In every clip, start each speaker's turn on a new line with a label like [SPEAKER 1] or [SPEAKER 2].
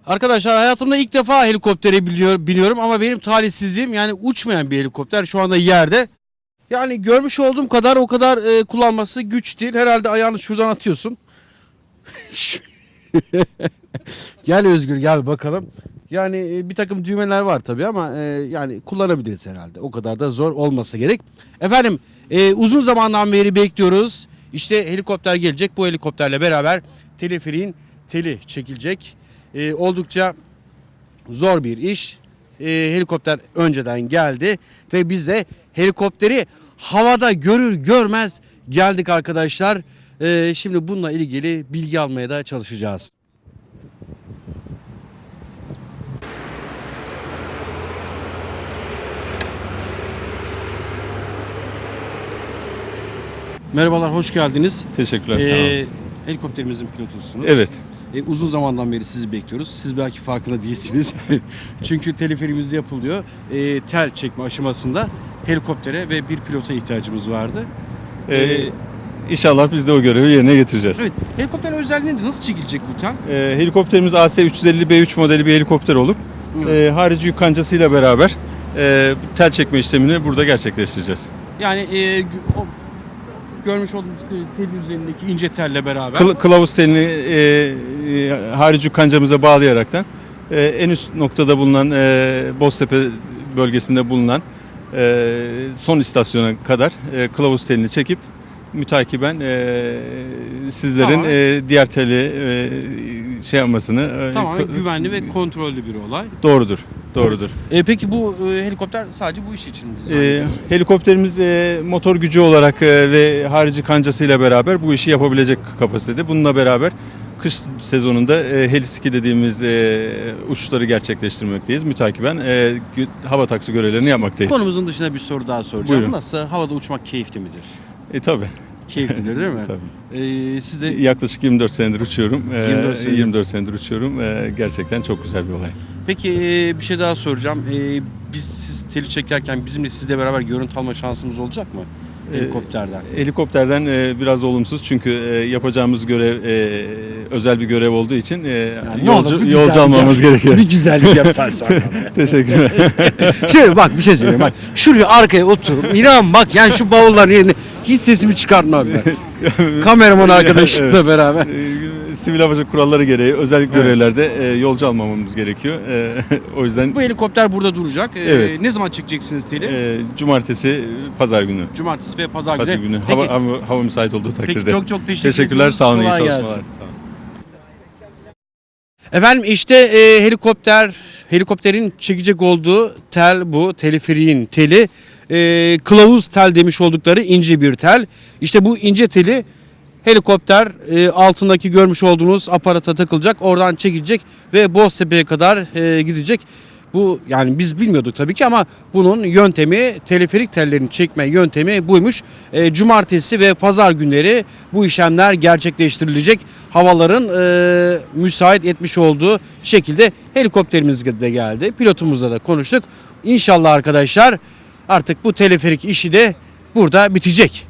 [SPEAKER 1] Arkadaşlar hayatımda ilk defa helikoptere biniyorum ama benim talihsizliğim yani uçmayan bir helikopter şu anda yerde. Yani görmüş olduğum kadar o kadar kullanması güç değil. Herhalde ayağını şuradan atıyorsun. Gel Özgür gel bakalım. Yani bir takım düğmeler var tabii ama yani kullanabiliriz herhalde. O kadar da zor olmasa gerek. Efendim uzun zamandan beri bekliyoruz. İşte helikopter gelecek. Bu helikopterle beraber teleferiğin teli çekilecek. Oldukça zor bir iş. Helikopter önceden geldi ve biz de helikopteri havada görür görmez geldik arkadaşlar. Şimdi bununla ilgili bilgi almaya da çalışacağız. Merhabalar, hoş geldiniz.
[SPEAKER 2] Teşekkürler, sağ olun.
[SPEAKER 1] Helikopterimizin pilotusunuz.
[SPEAKER 2] Evet.
[SPEAKER 1] Uzun zamandan beri sizi bekliyoruz. Siz belki farkında değilsiniz. Çünkü teleferimizde yapılıyor. Tel çekme aşamasında helikoptere ve bir pilota ihtiyacımız vardı.
[SPEAKER 2] İnşallah biz de o görevi yerine getireceğiz.
[SPEAKER 1] Evet. Helikopterin özelliği nedir? Nasıl çekilecek bu tel?
[SPEAKER 2] Helikopterimiz AS-350B3 modeli bir helikopter olup harici yük kancasıyla beraber tel çekme işlemini burada gerçekleştireceğiz.
[SPEAKER 1] Yani o görmüş olduğunuz tel üzerindeki ince telle beraber.
[SPEAKER 2] Kılavuz telini harici yük kancamıza bağlayaraktan en üst noktada bulunan Boztepe bölgesinde bulunan son istasyona kadar kılavuz telini çekip mütakiben sizlerin
[SPEAKER 1] Tamam.
[SPEAKER 2] diğer teli şey yapmasını
[SPEAKER 1] Tamamen güvenli ve kontrollü bir olay.
[SPEAKER 2] doğrudur. Doğrudur.
[SPEAKER 1] Peki bu helikopter sadece bu iş için mi dizayn edildi?
[SPEAKER 2] Helikopterimiz motor gücü olarak ve harici kancasıyla beraber bu işi yapabilecek kapasitede. Bununla beraber kış sezonunda Heliski dediğimiz uçuşları gerçekleştirmekteyiz. Mütakiben hava taksi görevlerini yapmaktayız.
[SPEAKER 1] Konumuzun dışında bir soru daha soracağım.
[SPEAKER 2] Buyurun.
[SPEAKER 1] Nasıl? Havada uçmak keyifli midir?
[SPEAKER 2] Tabii.
[SPEAKER 1] Keyiflidir değil mi?
[SPEAKER 2] Tabii.
[SPEAKER 1] Siz de
[SPEAKER 2] Yaklaşık 24 senedir uçuyorum.
[SPEAKER 1] 24 senedir.
[SPEAKER 2] uçuyorum. Gerçekten çok güzel bir olay.
[SPEAKER 1] Peki bir şey daha soracağım. Siz teli çekerken bizimle sizle beraber görüntü alma şansımız olacak mı? Helikopterden.
[SPEAKER 2] Helikopterden biraz olumsuz çünkü yapacağımız görev özel bir görev olduğu için yolcu almamız gerekiyor.
[SPEAKER 1] Bir güzellik yapsan sana.
[SPEAKER 2] Teşekkürler.
[SPEAKER 1] Şöyle bak bir şey söyleyeyim bak. Şuraya arkaya oturup inan bak yani şu bavulların yerine hiç sesimi çıkartmam ben. Kameraman arkadaşımla
[SPEAKER 2] Evet.
[SPEAKER 1] beraber.
[SPEAKER 2] Sivil havacılık kuralları gereği özel görevlerde yolcu almamamız gerekiyor. O yüzden
[SPEAKER 1] Bu helikopter burada duracak.
[SPEAKER 2] Evet.
[SPEAKER 1] Ne zaman çekeceksiniz teli?
[SPEAKER 2] cumartesi, pazar günü.
[SPEAKER 1] Cumartesi ve pazar günü.
[SPEAKER 2] Pazar günü.
[SPEAKER 1] Peki,
[SPEAKER 2] Hava müsait olduğu takdirde.
[SPEAKER 1] peki çok
[SPEAKER 2] Teşekkürler.
[SPEAKER 1] ediyoruz.
[SPEAKER 2] Sağ olun. İyi
[SPEAKER 1] Kolay
[SPEAKER 2] çalışmalar.
[SPEAKER 1] gelsin.
[SPEAKER 2] Sağ olun.
[SPEAKER 1] Efendim işte helikopterin çekecek olduğu tel bu. Teleferiğin teli. Kılavuz tel demiş oldukları ince bir tel. İşte bu ince teli helikopter altındaki görmüş olduğunuz aparata takılacak. Oradan çekilecek ve Boztepe'ye kadar gidecek. Bu yani biz bilmiyorduk tabii ki ama bunun yöntemi teleferik tellerini çekme yöntemi buymuş. Cumartesi ve pazar günleri bu işlemler gerçekleştirilecek. Havaların müsait etmiş olduğu şekilde helikopterimiz de geldi. Pilotumuzla da konuştuk. İnşallah arkadaşlar artık bu teleferik işi de burada bitecek.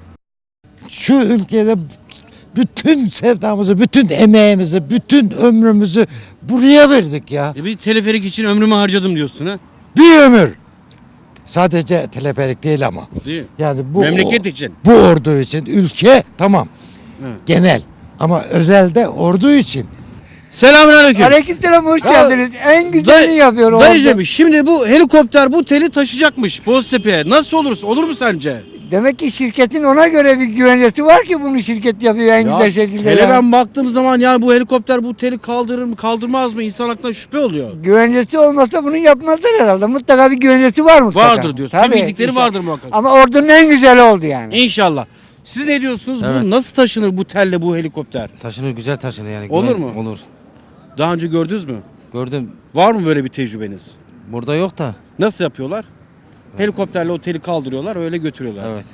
[SPEAKER 3] Şu ülkede bütün sevdamızı, bütün emeğimizi, bütün ömrümüzü buraya verdik ya.
[SPEAKER 1] Bir teleferik için ömrümü harcadım diyorsun ha?
[SPEAKER 3] Bir ömür. Sadece teleferik değil ama.
[SPEAKER 1] Değil mi?
[SPEAKER 3] Yani bu
[SPEAKER 1] Memleket için.
[SPEAKER 3] Bu ordu için, ülke tamam.
[SPEAKER 1] Evet.
[SPEAKER 3] Genel. Ama özelde ordu için.
[SPEAKER 1] Selamünaleyküm.
[SPEAKER 4] Aleykümselam, hoş
[SPEAKER 1] Ya,
[SPEAKER 4] geldiniz. En güzelini yapıyor orada.
[SPEAKER 1] Dayıcım şimdi bu helikopter bu teli taşıyacakmış Boztepe'ye. Nasıl olursa olur mu sence?
[SPEAKER 4] Demek ki şirketin ona göre bir güvencesi var ki bunu şirket yapıyor en güzel şekilde.
[SPEAKER 1] Tele
[SPEAKER 4] ya.
[SPEAKER 1] ben baktığım zaman yani bu helikopter bu teli kaldırır mı kaldırmaz mı insan aklına şüphe oluyor.
[SPEAKER 4] Güvencesi olmasa bunu yapmazlar herhalde. Mutlaka bir güvencesi var mutlaka.
[SPEAKER 1] Vardır diyorsun.
[SPEAKER 4] Tabii,
[SPEAKER 1] Bildikleri
[SPEAKER 4] inşallah.
[SPEAKER 1] vardır muhakkak.
[SPEAKER 4] Ama ordunun en güzeli oldu yani.
[SPEAKER 1] İnşallah. Siz ne diyorsunuz?
[SPEAKER 5] Evet.
[SPEAKER 1] Bu nasıl taşınır bu telle bu helikopter?
[SPEAKER 5] Taşınır, güzel taşınır yani.
[SPEAKER 1] Olur mu?
[SPEAKER 5] Olur.
[SPEAKER 1] Daha önce gördünüz mü?
[SPEAKER 5] Gördüm.
[SPEAKER 1] Var mı böyle bir tecrübeniz?
[SPEAKER 5] Burada yok da.
[SPEAKER 1] Nasıl yapıyorlar? Helikopterle o teli kaldırıyorlar öyle götürüyorlar.
[SPEAKER 5] Evet.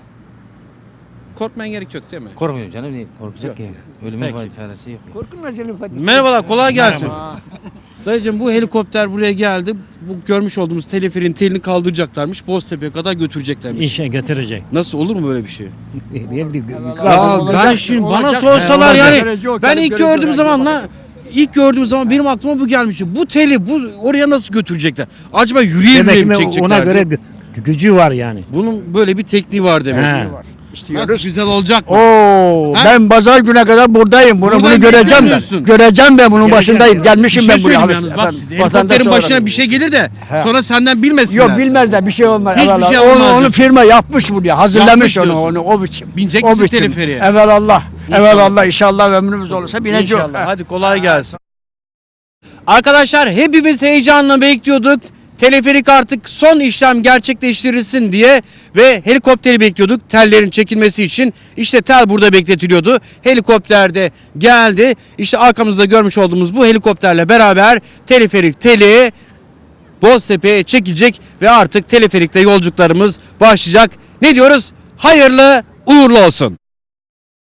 [SPEAKER 1] Korkmaya gerek yok değil mi?
[SPEAKER 5] Korkmuyorum canım. Niye korkacak ki? Ölümün
[SPEAKER 1] Peki.
[SPEAKER 5] çaresi yok.
[SPEAKER 4] Korkun acele Fatih.
[SPEAKER 1] Merhabalar, kolay gelsin. Dayıcım bu helikopter buraya geldi. Bu görmüş olduğumuz teleferin telini kaldıracaklarmış. Boztepe'ye kadar götüreceklermiş.
[SPEAKER 6] İşe götürecek.
[SPEAKER 1] Nasıl olur mu böyle bir şey?
[SPEAKER 6] Ne bileyim,
[SPEAKER 1] Ya ben şimdi bana sorsalar yani ben ilk gördüğüm zaman ilk gördüğüm zaman benim aklıma bu gelmişti. Bu teli oraya nasıl götürecekler? Acaba
[SPEAKER 6] Demek
[SPEAKER 1] yürüyebilir mi
[SPEAKER 6] ki
[SPEAKER 1] çekecekler?
[SPEAKER 6] ona göre gücü var yani.
[SPEAKER 1] Bunun böyle bir tekniği var demek.
[SPEAKER 6] He.
[SPEAKER 1] Nasıl güzel olacak mı?
[SPEAKER 6] Oo,
[SPEAKER 1] Ha?
[SPEAKER 6] ben pazar güne kadar buradayım. Bunu
[SPEAKER 1] Buradan
[SPEAKER 6] göreceğim
[SPEAKER 1] beklemiyorsun.
[SPEAKER 6] ben. Göreceğim ben bunun başındayım.
[SPEAKER 1] Bir
[SPEAKER 6] Gelmişim
[SPEAKER 1] şey
[SPEAKER 6] ben buraya.
[SPEAKER 1] söyleyeyim yalnız bak
[SPEAKER 6] Vatandaş
[SPEAKER 1] helikopterin
[SPEAKER 6] olarak.
[SPEAKER 1] başına bir şey gelir de
[SPEAKER 6] He.
[SPEAKER 1] sonra senden bilmesinler.
[SPEAKER 6] Yok bilmezler bir şey olmaz.
[SPEAKER 1] Hiçbir
[SPEAKER 6] Evelallah.
[SPEAKER 1] şey olmaz
[SPEAKER 6] Onu
[SPEAKER 1] diyorsun.
[SPEAKER 6] firma yapmış buraya. Hazırlamış
[SPEAKER 1] Yapmış
[SPEAKER 6] onu
[SPEAKER 1] diyorsun.
[SPEAKER 6] o biçim.
[SPEAKER 1] Binecek
[SPEAKER 6] O
[SPEAKER 1] misin
[SPEAKER 6] biçim.
[SPEAKER 1] teleferiğe?
[SPEAKER 6] Evelallah.
[SPEAKER 1] İnşallah.
[SPEAKER 6] Evelallah inşallah ömrümüz olursa bineceğim.
[SPEAKER 1] İnşallah. Hadi kolay gelsin. Arkadaşlar hepimiz heyecanla bekliyorduk. Teleferik artık son işlem gerçekleştirilsin diye ve helikopteri bekliyorduk tellerin çekilmesi için. İşte tel burada bekletiliyordu. Helikopter de geldi. İşte arkamızda görmüş olduğumuz bu helikopterle beraber teleferik teli Boztepe'ye çekilecek ve artık teleferikte yolculuklarımız başlayacak. Ne diyoruz? Hayırlı uğurlu olsun.